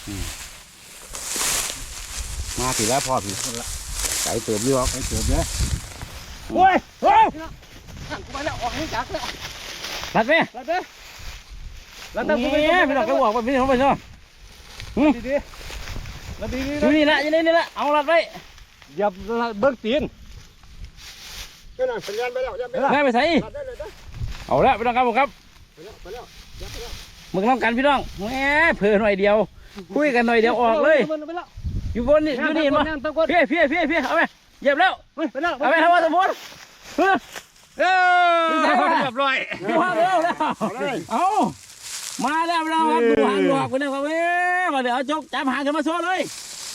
มาถึงแล้วพอถึงไก่เติบอยู่ไก่เติบเนี่ยโอ้ยโอ้ยหันไปแล้วออกให้จักแล้วรัดไหมรัดไหมรัดตั้งกูไปไม่ต้องกระบอกไปไม่ต้องไปเนาะดีรัดดีอยู่นี่ละอยู่นี่ละเอารัดไว้อย่าเบิ้งตีนก็นั่นสัญญาณไปแล้วได้ไปใส่เอาละพี่น้องครับผมครับมึงทำกันพี่น้องแหมเผื่อหน่อยเดียวคุยกันหน่อยเดียวออกเลยอยู่บนนี่อยู่นี่มาเพี้ยเอาไปเหยียบแล้วเอาไปทำว่าสมบูรณ์เรียบร้อยมาแล้วเอามาแล้วเราครับดูหางดอกไปนะครับเว้ยมาเดี๋ยวเอาจกจับหางกันมาโชว์เลย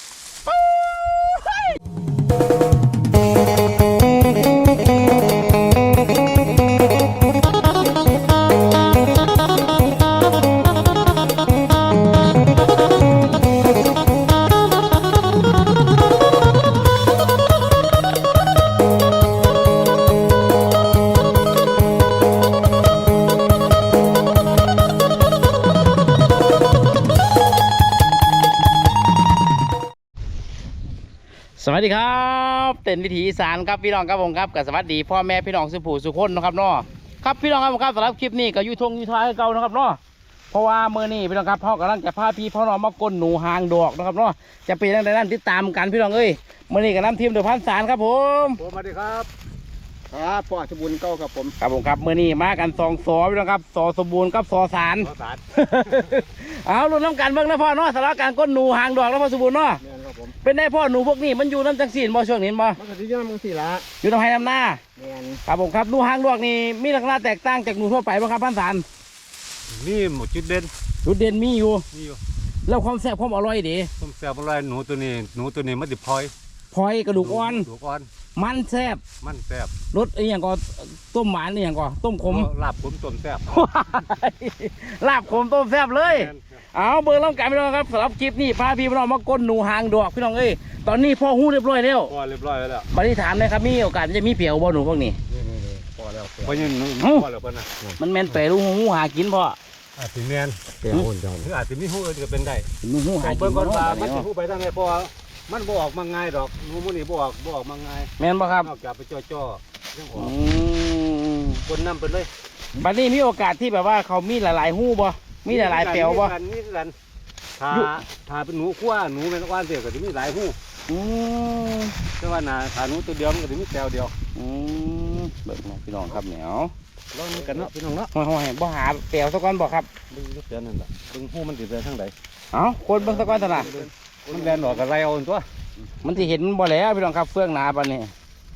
สวัสดีครับเต้นวิถีอีสานครับพี่น้องครับผมครับกับสวัสดีพ่อแม่พี่น้องสุภูสุคนนะครับเนาะครับพี่น้องครับผมครับสำหรับคลิปนี้ก็ยูทงยูทายเก่านะครับเนาะเพราะว่าเมื่อนี้พี่น้องครับพ่อกำลังจะพาพี่พ่อน้องมาก้นหนูหางดอกนะครับเนาะจะเป็นยังไงนั่นติดตามกันพี่น้องเอ้ยเมื่อนี้กับน้ำทีมเดือดพันสารครับผมสวัสดีครับครับพ่อสมบูรณ์เก้าครับผมครับเมื่อนี้มากัน2 สอพี่น้องครับสอสมบูรณ์กับสอสารเอาลุ้นน้ำกันเบิ่งนะพ่อเนาะสำหรับการก้นหนูหางดอกแล้วพ่อสมบูรณ์เนาะเป็นได้พ่อหนูพวกนี้มันอยู่น้ำจังสีนบ่ช่วงนี้บ่มันก็ที่น้ำจังสีละอยู่น้ำไห้น้ำหน้าครับผมครับหนูหางดอกนี่มีลักษณะแตกต่างจากหนูทั่วไปบ่ครับพันสารนี่หมดจุดเด่นมีอยู่แล้วความแซ่บความอร่อยดีความแซ่บอร่อยหนูตัวนี้มันติดพลอยกระดูกอ่อนมันแซ่บรสอย่างก็ต้มหวานอย่างก็ต้มขมลาบขมต้มแซ่บลาบขมต้มแซ่บเลยเอาเบอร์ล่องกันพี่น้องครับสำหรับคลิปนี้พาพี่น้องมาก้นหนูหางดอกพี่น้องเอ้ยตอนนี้พ่อหู้เรียบร้อยแล้วบัดนี้ถามเลยครับมีโอกาสจะมีเปียวบ่หนูพวกนี้พอแล้วพอยังพอแล้วนะมันแมนเป๋ลูกหูหากินพ่ออาจจะแมนเป๋หุ่นจังหรืออาจจะมีหูอื่นก็เป็นได้หูหากินเบิ่งก่อนว่ามันจะหูไปทางไหนพอมันบ่ออกมาง่ายดอกงูมันนี่บ่ออกมาง่ายแม่นบ่ครับนอกจากไปจ่อๆยังออกคนนำไปเลยบัดนี้มีโอกาสที่แบบว่าเขามีหลายๆหูบ่มีหลายๆเปียวบ่มีกันถ้าเป็นหนูขั้วหนูเป็นก้อนเดียวก็จะมีหลายหูแต่ว่าถ้าหนูตัวเดียวมันก็จะมีแปวเดียวเบิ่งพี่น้องครับเหนียวลองกันเนาะพี่น้องเนาะห้อยบ่หาเปียวสักก้อนบ่ครับเบิ่งเปียวนั่นแหละเบิ่งหูมันติดไปทางใดคนเบิ่งสักก้อนตลาดมันแบนหลอกกับไรเอาตัวมันที่เห็นบ่แล้วพี่น้องครับเฟื่องหนาปานนี้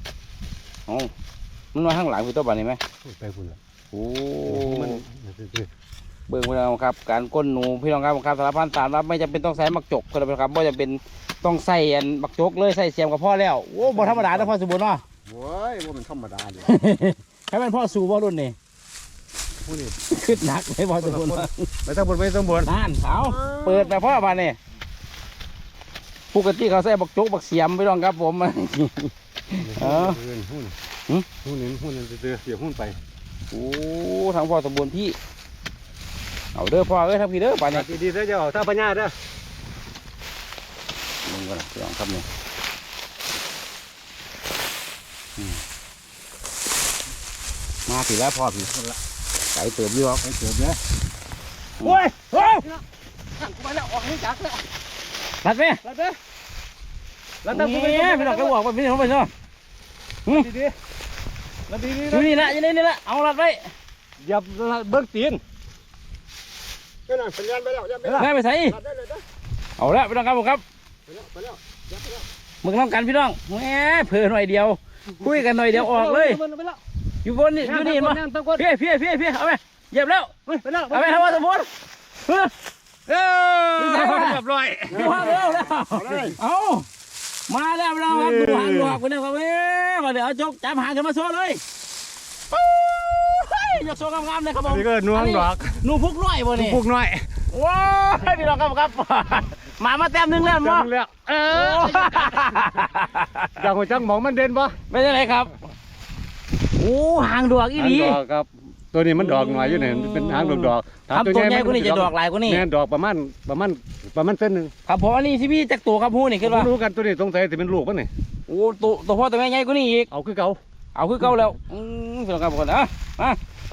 มันมาข้างหลังคือตัวปานนี้ไหมไปคุณละโอ้เบิ่งพี่น้องครับการก้นหนูพี่น้องครับสารพันสารรับไม่จำเป็นต้องใส่มักจกก็ได้ครับไม่จำเป็นต้องใส่มักจกเลยใส่เสียมกับพ่อแล้วโอ้บ่ธรรมดานะพ่อสมบูรณ์เนาะโว้ยว่ามันธรรมดาเลยแค่เป็นพ่อสู่พ่อรุ่นนี่ขึ้นหนักเลยพ่อสมบูรณ์ไม่ต้องบ่นนั่นเขาเปิดไปพ่อปานนี้ปกติเขาใส่บักจกบักเสียมพี่น้องครับผมหุ้นเดือเสียหุ้นไปโอ้ทางพ่อสมบูรณ์พี่เอาเด้อพ่อทางพี่เด้อป่านนี้ดีเด้อเจ้าถ้าปัญญาเด้อมึงก็พี่น้องครับนี่มาถึงแล้วพ่อพี่ไก่เติบอยู่ไก่เติบเนี่ยโอ้ยหันไปแล้วออกให้จักแล้วรัดไหมรัดตั้งกูไปไม่ต้องกระบอกไปไม่ต้องไปเนาะดีอยู่นี่ละอยู่นี่ละเอารัดไว้อย่าเบิ้งตีนก็นั่นสัญญาณไปแล้วได้ไปใส่เอาละพี่น้องครับผมครับมึงทำกันพี่น้องแหมเผื่อหน่อยเดียวคุยกันหน่อยเดียวออกเลยอยู่บนนี่อยู่นี่มาเพี้ยเอาไปเหยียบแล้วเอาไปทำว่าสมบูรณ์เรียบร้อยมาแล้วเอามาแล้วเราครับดูหางดอกไปนะครับเว้ยมาเดี๋ยวเอาจกจับหางกันมาโชว์เลยยกโชว์งามๆเลยครับผมนี่ก็หนูหางดอกหนูพุกน้อยบ่นี่พุกน้อยว้าวพี่น้องครับมาแต้มนึงแล้วมั้งอยากหัวจังมองมันเด่นปะไม่ใช่ไรครับโอ้หางดอกอีหลีครับตัวนี้มันดอกหน่อยอยู่เนี่ยมันเป็นหางดอกๆครับตัวใหญ่กว่านี้จะดอกหลายกว่านี้แม่นดอกประมาณเส้นหนึงครับผมอันนี้ที่พี่จักตัวครับหู้นี่คือว่ารู้กันตัวนี้สงสัยสิเป็นลูกมันนี่โอ้ตัวพ่อตัวแม่ใหญ่กว่านี้อีกเอาคือเก่าเอาคือเก่าแล้วพี่น้องครับผมนะมา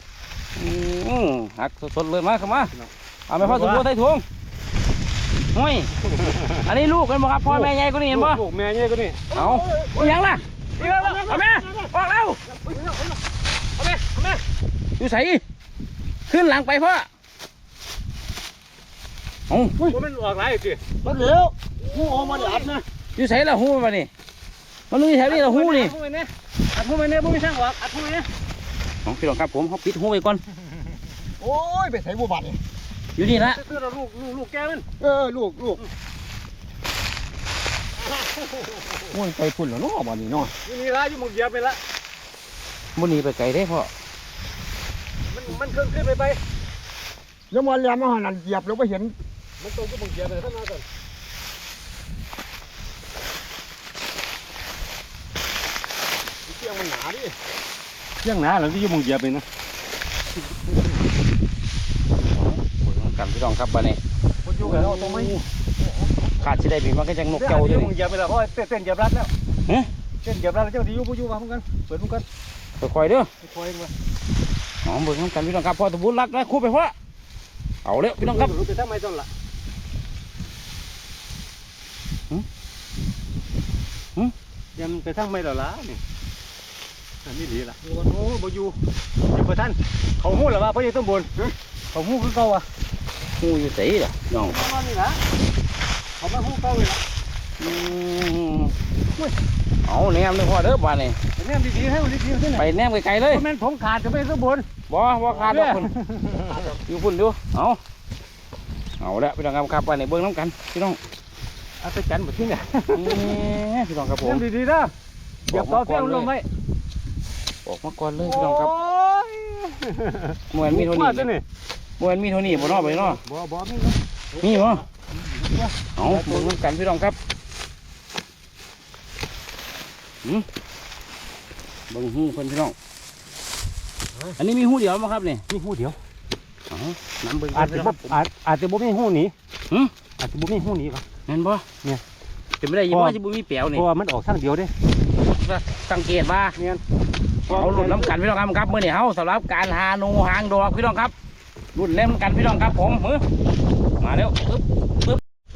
หักสดๆเลยมาเข้ามาเอาไปพ่อสมบูรณ์ใส่ถุงห้ยอันนี้ลูกกันบ่ครับพ่อแม่ใหญ่กว่านี้เห็นบ่ลูกแม่ใหญ่กว่านี้เอาอย่างล่ะเอาแม่ออกแล้วอยู่ใส่ขึ้นหลังไปพ่อเอามันออกหลายสิมันเหลวหูออกมาอัดนะอยู่ใส่ละหูมานี่มันอยู่แถวนี้ละหูนี่อัดหูไปเนี่ยบ่มีทางออกอัดหูไปเนี่ยของพี่น้องครับผมเขาปิดหูไว้ก่อนโอ้ยไปใส่บัวบาดนี่อยู่นี่ละคือเราลูกแกมันลูกโอ้ยไปพุ่นแล้วเนาะบาดนี้เนาะอยู่นี่ละอยู่หมึงเหยียบไปละมันหนีไปไกลได้พ่อมันขึ้นไปแล้วมาเรียนมาหันนั่นเหยียบแล้วไปเห็นมันตรงอยู่หมึงเหยียบไปทั้งนั้นก่อนเสียงมันหนาดิเสียงหนาแล้วที่อยู่หมึงเหยียบไปนะกันพี่น้องครับบ้านนี้คนอยู่กันแล้วตรงไหมขาดสิได้บีมันก็จังนกเจ้าเจ้าออยู่ ยู่หมึงนี่เหยียบไปแล้วเพราะเต้นเหยียบรัดแล้วฮะเต้นเหยียบรัดแล้วเจ้าที่อยู่มาเหมือนกันเปิดเหมือนกันค่อยๆเด้อคอยมาหอมเบิ่งกันพี่น้องครับพ่อตะบุญรักนะคู่ไปพ่อเอาเร็วพี่น้องครับรู้ไปทำไมต้นละยังไปทำไมล่ะล่ะนี่อันนี้ดีละอยู่กันโอ้บ่อยู่ประท่านเขาหู้หรือว่าพระเยซูสมบูรณ์เขาหู้คือเก่าอ่ะหูอยู่ใส่ล่ะน้องประมาณนี้นะเขามาหู้เก่าเลยละเอาแนมเลยพ่อเด้อบ้านนี้แนมดีๆให้ดีๆที่ไหนไปแนมไกลๆเลยแม่นผมขาดจะไปสมบูรณ์บ่ขาดดอกคนอยู่พุ่นดูเอาละพี่น้องครับบ้านนี้เบิ่งน้ำกันพี่น้องอาจารย์แบบที่ไหนพี่น้องครับผแนมมดีๆนะเดี๋ยวต่อเส้นลงไว้ออกมาก่อนเลยพี่น้องครับยมวยมีเท่านี้ตัวนี้มวยมีเท่านี้บ่เนาะไปเนาะบ่มีมีบ่เอาเบิ่งน้ำกันพี่น้องครับเบิ่งหูเพิ่นพี่น้องอันนี้มีหูเดียวมั้งครับนี่มีหูเดียวน้ำเบิ่งอาจจะบ่อาจจะบ่มีหูหนีหืมอาจจะบ่มีหูหนีป่ะเห็นบ่เนี่ยเป็นไม่ได้ยินว่าจะบุมีเปียวเพนี่ราะว่ามันออกทางเดียวเด้สังเกตว่าเนี่ยเอาหลุดน้ำกันพี่น้องครับเมื่อนี่เฮาสำหรับการหาหนูหางดอกพี่น้องครับรุ่นเล่มกันพี่น้องครับผมมาแล้วปึ๊บ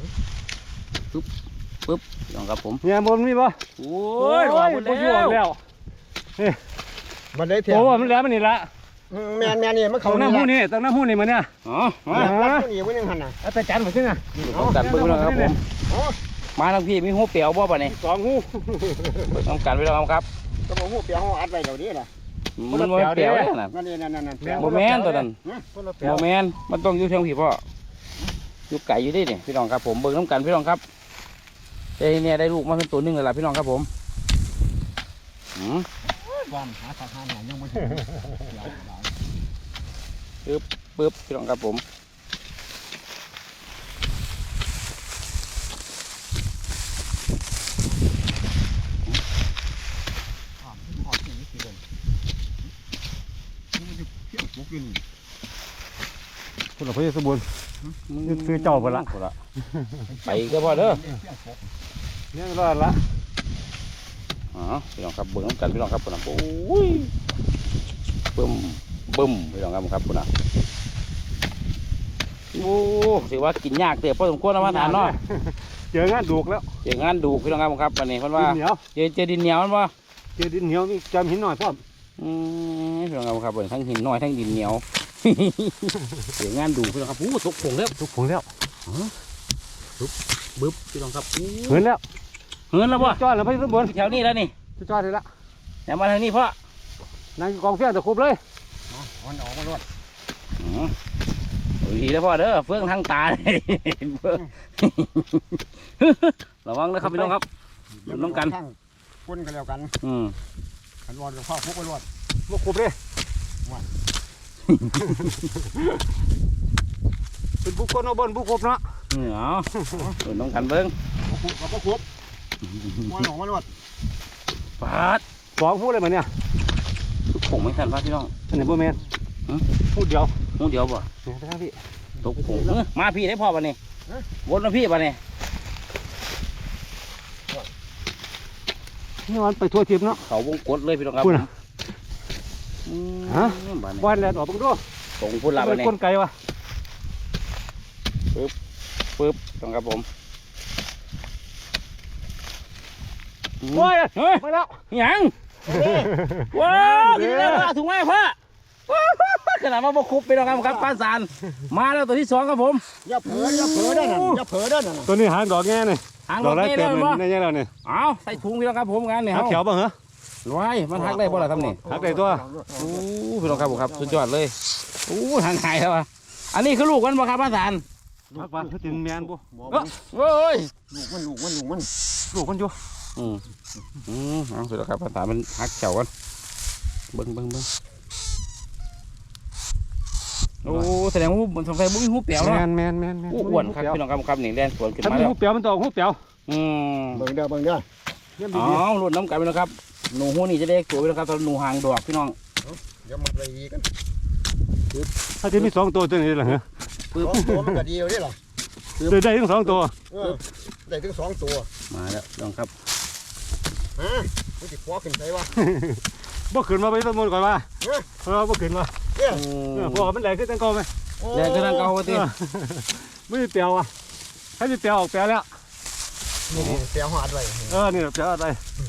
พี่น้องครับผมเนี่ยบนมีป่ะโอ้ยออกหมดบ่อยู่ออกแล้แล้ว วมันได้เถียโอ้มันแล้วมันนี่ละแม่นี่มันเขาเขาหน้าหูนี่ตั้งหน้าหูนี่มันเนี่ยอ๋อมาผู้นี้มันยังหันน่ะอาจารย์มาขึ้นนะน้ำกันเบิ่งพี่น้องครับผมมาทางพี่มีหูเปียวบ่ป่ะนี่สองหูเบิ่งน้ำกันพี่น้องครับก็บอกหูเปียกอัดไว้เดี๋ยวนี้น่ะมันบ่เปียวเลยนะนั่นบ่แม่นตัวนั้นบ่แม่นมันต้องอยู่เชียงผีพ่ออยู่ไก่อยู่ดิเนี่ยพี่น้องครับผมเบิ่งน้ำกันพี่น้องครับเอ้เนี่ยได้ลูกมาเป็นตัวนึงเลยล่ะพี่น้องครับผมบ้านหาสาขาไหนยังไม่ปึ๊บพี่น้องครับผมคุณหลวงพ่อสมบูรณ์ซื้อเจ้าไปละไปก็พอเด้อเนี่ยรอดละอ๋อพี่น้องครับเบิ่งน้ำกันพี่น้องครับปุ่นโอ้ยบึ้มพี่น้องครับปุ่นโอ้ถือว่ากินยากเตะพอสมควรนะมาทานเนาะเจองานดูกแล้วเจองานดูพี่น้องครับวันนี้เพิ่นว่าดินเหนียวเจอดินเหนียวมันว่าเจอดินเหนียวมีจำหินหน่อยพร้อมพี่น้องครับทั้งหินน้อยทั้งดินเหนียวเจองานดูพี่น้องครับอู้ตกผงแล้วทุกผงแล้วบึ๊บพี่น้องครับเหินแล้วเหินแล้วบ่จอดแล้วพ่อสมบูรณ์แถวนี้แล้วนี่จอดเลยละอย่ามาทางนี้พ่อนั่งกองเฟี้ยงตะคุบเลยมันออกมาลวดดีแล้วพ่อเด้อเฟื่องทางตาเฟื่องระวังนะครับพี่น้องครับน้องกันพุ่นกันแล้วกันขันรอดพ่อพุกไปรอดบุกคุบเลยเป็นบุกคนเอาบนบุกคุบเนาะเอาน้องกันเบิ้งพุกกับพุกมันออกมาลวดปาดสองพูดเลยมันเนี่ยผงไม่ทันพ่อพี่น้องอันไหนบ่แมนพูดเดียวหูเดียวบ่เนี่ยทั้งพี่ตกผงมาพี่ได้พ่อป่ะนี่วนมาพี่ป่ะนี่นี่มันไปทั่วทิพย์เนาะเขาวงกดเลยพี่น้องครับพูดนะ ฮะบ้านวันแลนออกบังดูตรงพุ่นลาเป็ป่ะนนี่ก้นไก่วะปึ๊บตรงครับผมโอ้ยเฮ้ยมาแล้วยังว้าวกินแล้วถุงไม้พ่อขนาดมาบกคุบไปแล้วครับป้าสารมาแล้วตัวที่2ครับผมอย่าเผลอได้น่ะอย่าเผลอได้น่ะตัวนี้หางดอกแง่เนี่ยหางดรอกถแรกเต้เต็แล้มวเลยบ่ในแง่แล้วเนี่ยเอาใส่ถุงพี่น้องครับผมกันเนี่ยหักเฮาเขียวบ้างเหรอร้อยมันหักได้บ่ล่ะครับนี่หักได้ตัวโอ้พี่น้องครับผมครับสุดยอดเลยโอ้หางหายแล้วอ่ะอันนี้คือลูกมันบ่ครับป้าสารหักวันเขาถึงแมนบุโอ้ยลูกมันลูกมันอยู่เอาสุดแล้วครับป้าสารมันหักเขียวกันเบิ้งโอ้แสดงว่ามันสงสัยบุ้งหูเปียวแมเนาะนแมนแมนอ้วนครับพี่น้องครับนี่แล่นสวนขึ้นถ้ามามีแล้วหูเปียวมันต้องหูเปียวเบิ่งเด้อเยี่ยมอ๋ดีอรุ่นน้ำกันพี่น้องครับหนูหูนี่จะได้ตัวพี่น้องครับตอนหนูหางดอกพี่น้องเดี๋ยวมันไปอีกกันๆถ้าจะมี2ตัวตัวนี้เหรอฮะตัวมันก็ดีอยู่ดิล่ะได้ทั้ง2ตัวได้ถึง2ตัวมาแล้วพี่น้องครับฮะมันสิคว้าขึ้นไปวะบ่ขึ้นมาไปต้นมนก่อนว่าบ่ขึ้นมาพอมันแหลกขึ้นตั้งกอไหมแรงขึ้นทางเก่าทีไม่ได้เปียวอ่ะให้ได้เปียวออกเปียวแล้วนี่เสียหอดไว้นี่เปียวอะไร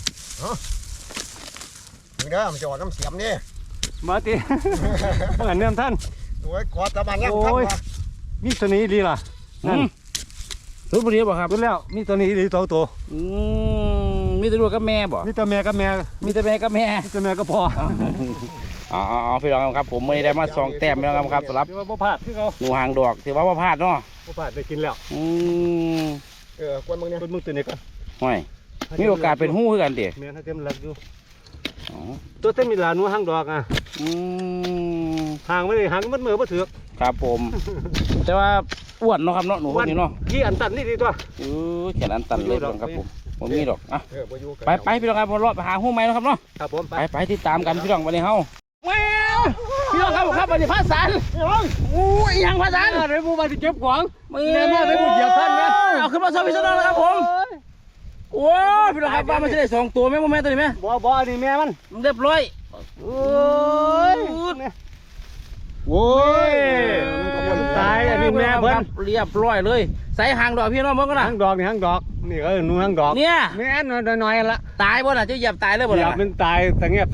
เบิ่งเด้อมันจะออกน้ำเสียมนี่มาตีเมื่อเนื่อมท่านโอ้ยกอดตะบันยังทันวะมีตัวนี้ดีล่ะนั่นรุ่นพอดีบ่ครับรู้แล้วมีตัวนี้ดี2ตัวมีแต่ลูกกับแม่บ่มีตัวแม่กับแม่มีแต่แม่กับแม่มีตัวแม่ก็พออ๋อพี่น้องครับผมไม่ได้มา2 แต้มพี่น้องครับสำหรับถือว่าบ่พลาดที่เขาหนูหางดอกถือว่าบ่พลาดเนาะบ่พลาดได้กินแล้วกวนมึงเนี่ยเป็นมึงตัวนี้ก่อนห่วยมีโอกาสเป็นหู้คือกันติแม่นให้เต็มหลักอยู่ตัวเต็มมีหลานหนูหางดอกอ่ะหางไม่ได้หางมันมือบ่ถือครับผม แต่ว่าอ้วนเนาะครับเนาะหนูพวกนี้เนาะกี่อันตันนี่ดีตัวแขนอันตันเลยพี่น้องครับผมมีดอกอ่ะบ่อยู่ไปพี่น้องครับรอไปหาหู้ไหมนะครับเนาะครับผมไปไปติดตามกันพี่น้องวันนี้เฮาแว้วพี่น้องครับผมครับวันนี้พระสันอู้ยยังพระสันเดี๋ยวมูมาที่เก็บของแม่มาไปบุญเหยียบท่านนะเอาขึ้นมาโชว์พี่น้องนะครับผมโอ้ยพี่น้องครับว่ามันจะได้2 ตัวไหมโมแม่ตัวนี้ไหมบ่อันนี้แม่มันเรียบร้อยโอ้ยโอ้ยตายอันนี้แม่เพิ่นเรียบร้อยเลยใส่หางดอกพี่น้องเบิ่งกันนะหางดอกนี่หางดอกนี่หนูหางดอกเนี่ยแม่น้อยๆละตายบ่ล่ะจะเหยียบตายเลยบ่เหยียล่ะบมันตายตะเงียบ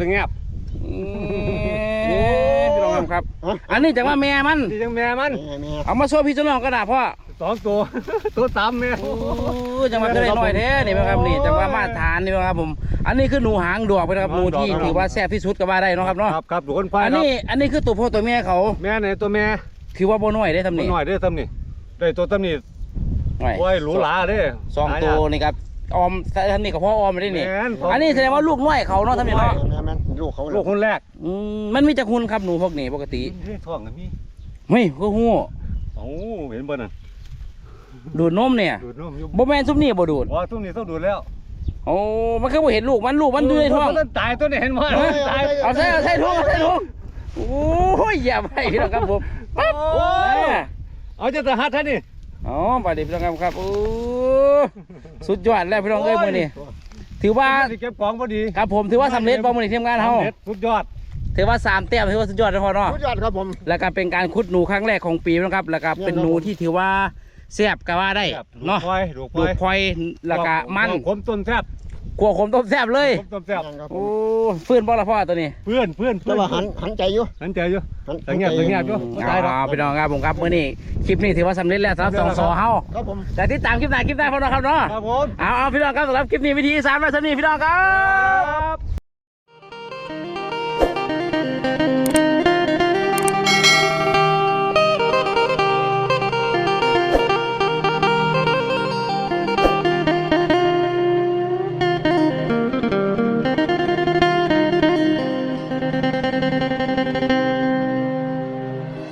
พี่น้องครับ อันนี้จากว่าแม่มันที่จังแม่มันแม่เอามาโชว์พี่น้องก็ได้พ่อ 2 ตัว ตัว3แม่โอ้จังหวะก็ได้น้อยแท้นี่นะครับนี่จังหวะมาตรฐานนี่นะครับผมอันนี้คือหนูหางดอกนะครับหนูที่ถือว่าแซ่บที่สุดก็ว่าได้เนาะครับเนาะครับดูคนไฟอันนี้คือตัวพ่อตัวแม่เขาแม่ไหนตัวแม่ถือว่าบ่น้อยได้ทำตัวนี่น้อยได้ทำนี่ได้ตัวทำนี่น้อยโอ้ยหรูหราเด้ 2 ตัวนี่ครับออมท่านนี่กับพ่อออมไม่ได้นี่แม่นอันนี้แสดงว่าลูกน้อยเขาเนาะทำนี่เนาะแม่ลูกเขาลูกคนแรกมันมีจักหุ่นครับหนูพวกนี้ปกติท้องกันมีเฮ้ยก็ฮู้โอ้เห็นบ่นั่นดูดนมเนี่ยดูดนมอยู่บ่แม่นซุมนี่บ่ดูดว่าตุ้มนี่ต้องดูดแล้วโอ้มันคือบ่เห็นลูกมันอยู่ในท้องมันตายตัวนี้เห็นบ่ตายเอาใส่ถุงโอ้ยอย่าไปพี่น้องครับผมปั๊บเอาจะตะหัดท่านนี่อ๋อไปดิพี่น้องครับโอ้สุดยอดแล้วพี่น้องเอ้ยมื้อนี้ถือว่าสิเก็บของพอดีครับผมถือว่าสำเร็จบ่มื้อนี้ทีมงานเฮาสุดยอดถือว่า3 แต้มถือว่าสุดยอดนะพ่อเนาะสุดยอดครับผมแล้วก็เป็นการขุดหนูครั้งแรกของปีนะครับแล้วก็เป็นหนูที่ถือว่าแซ่บก็ว่าได้เนาะลูกลูกพลอยแล้วก็มันขมต้นแซ่บขัวขมต้มแซ่บเลยขมต้นแซ่บโอ้ฟื้นบ่ละพ่อตัวนี้เพื่อนแต่ว่าหันใจอยู่หันใจอยู่หันเงียบอยู่พี่น้องครับผมครับมื้อนี้คลิปนี้ถือว่าสำเร็จแล้วสำหรับ2 สอเฮาครับผมแต่ติดตามคลิปหน้าพ่อน้องครับเนาะครับผมเอาพี่น้องครับสำหรับคลิปนี้วิธีอีสานมาสนี่พี่น้องครับ